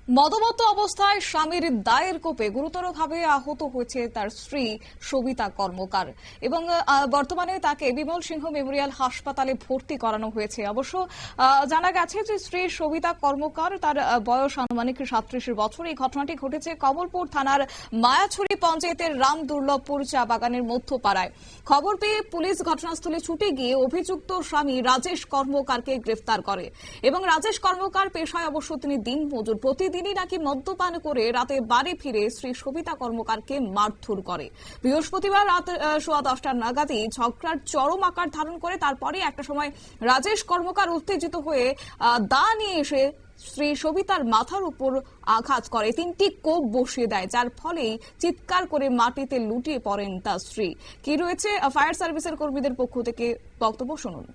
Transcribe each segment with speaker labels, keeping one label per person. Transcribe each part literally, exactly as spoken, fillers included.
Speaker 1: মদমত্ত অবস্থায় স্বামীর দায়ের কোপে গুরুতরভাবে আহত হয়েছে তার স্ত্রী সবিতা কর্মকার এবং বর্তমানে তাকে বিমল সিংহ মেমোরিয়াল হাসপাতালে ভর্তি করানো হয়েছে। অবশ্য জানা গেছে যে স্ত্রী সবিতা কর্মকার, তার বয়স আনুমানিক সাতত্রিশ বছর। এই ঘটনাটি ঘটেছে কমলপুর থানার মায়াছড়ি পঞ্চায়েতের রাম দুর্লভপুর চা বাগানের মধ্যপাড়ায়। খবর পেয়ে পুলিশ ঘটনাস্থলে ছুটে গিয়ে অভিযুক্ত স্বামী রাজেশ কর্মকারকে গ্রেফতার করে এবং রাজেশ কর্মকার পেশায় অবশ্য তিনি দিন মজুর। প্রতি দিনই নাকি মদ্যপান করে রাতে বাড়ি ফিরে শ্রী সবিতা কর্মকারকে মারধর করে। বৃহস্পতিবার রাত সোয়া দশটার নাগাদই ঝগড়ার চরম আকার ধারণ করে। তারপরে একটা সময় রাজেশ কর্মকার উত্তেজিত হয়ে দা নিয়ে এসে শ্রী সবিতার মাথার উপর আঘাত করে, তিনটি কোপ বসিয়ে দেয়, যার ফলেই চিৎকার করে মাটিতে লুটিয়ে পড়েন তার স্ত্রী। কি রয়েছে ফায়ার সার্ভিসের কর্মীদের পক্ষ থেকে বক্তব্য শুনুন।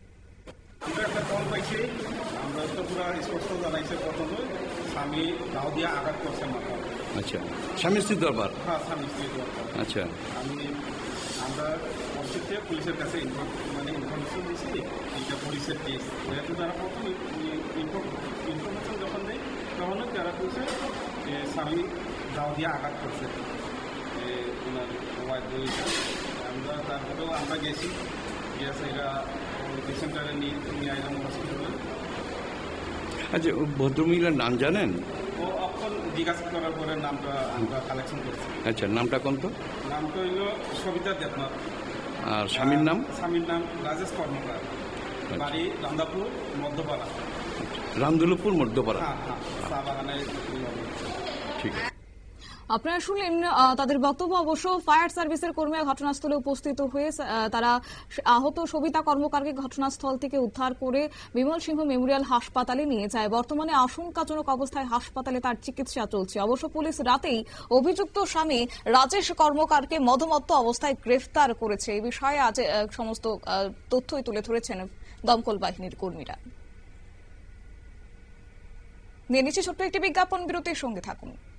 Speaker 2: আমরা তো পুরো স্পষ্ট জানাইছে প্রথমে স্বামী দাও দিয়ে আঘাত করছে মাথা।
Speaker 3: আচ্ছা, স্বামী স্ত্রীর দরবার?
Speaker 2: হ্যাঁ, স্বামী স্ত্রীর দরবার।
Speaker 3: আচ্ছা,
Speaker 2: আমি আমরা অবশ্যই পুলিশের কাছে মানে ইনফরমেশন দিয়েছি, এটা পুলিশের কেস। যেহেতু তারা প্রথম ইনফরমেশন যখন দেয় তখনই তারা বলছে যে স্বামী দাও দিয়ে আঘাত করছে ওনার ওয়াইফ বইটা। আমরা তারপরেও আমরা গেছি, গেছে এরা পেশেন্টারে নিয়ে নিয়ে আইলাম হসপিটালে।
Speaker 3: আচ্ছা, ভদ্রমহিলার নাম জানেন?
Speaker 2: ও এখন জিজ্ঞাসা করার পরে নামটা আমরা কালেকশন করছি।
Speaker 3: আচ্ছা, নামটা কোন? তো
Speaker 2: নামটা হইল সবিতা দেবনাথ।
Speaker 3: আর স্বামীর নাম?
Speaker 2: স্বামীর নাম রাজেশ কর্মকার, বাড়ি রামদাপুর মধ্যপাড়া।
Speaker 3: রামদুলপুর মধ্যপাড়া।
Speaker 2: হ্যাঁ হ্যাঁ, চা বাগানে।
Speaker 3: ঠিক।
Speaker 1: আপনারা শুনলেন তাদের বক্তব্য। অবশ্য ফায়ার সার্ভিসের কর্মীরা ঘটনাস্থলে উপস্থিত হয়ে তারা আহত সবিতা কর্মকারকে ঘটনাস্থল থেকে উদ্ধার করে বিমল সিংহ মেমোরিয়াল হাসপাতালে নিয়ে যায়। বর্তমানে আশঙ্কাজনক অবস্থায় হাসপাতালে তার চিকিৎসা চলছে। অবশ্য পুলিশ রাতেই অভিযুক্ত স্বামী রাজেশ কর্মকারকে মদমত্ত অবস্থায় গ্রেফতার করেছে। এই বিষয়ে আজ সমস্ত তথ্যই তুলে ধরেছেন দমকল বাহিনীর কর্মীরা। নিয়ে নিচ্ছে ছোট্ট একটি বিজ্ঞাপন, বিরতির সঙ্গে থাকুন।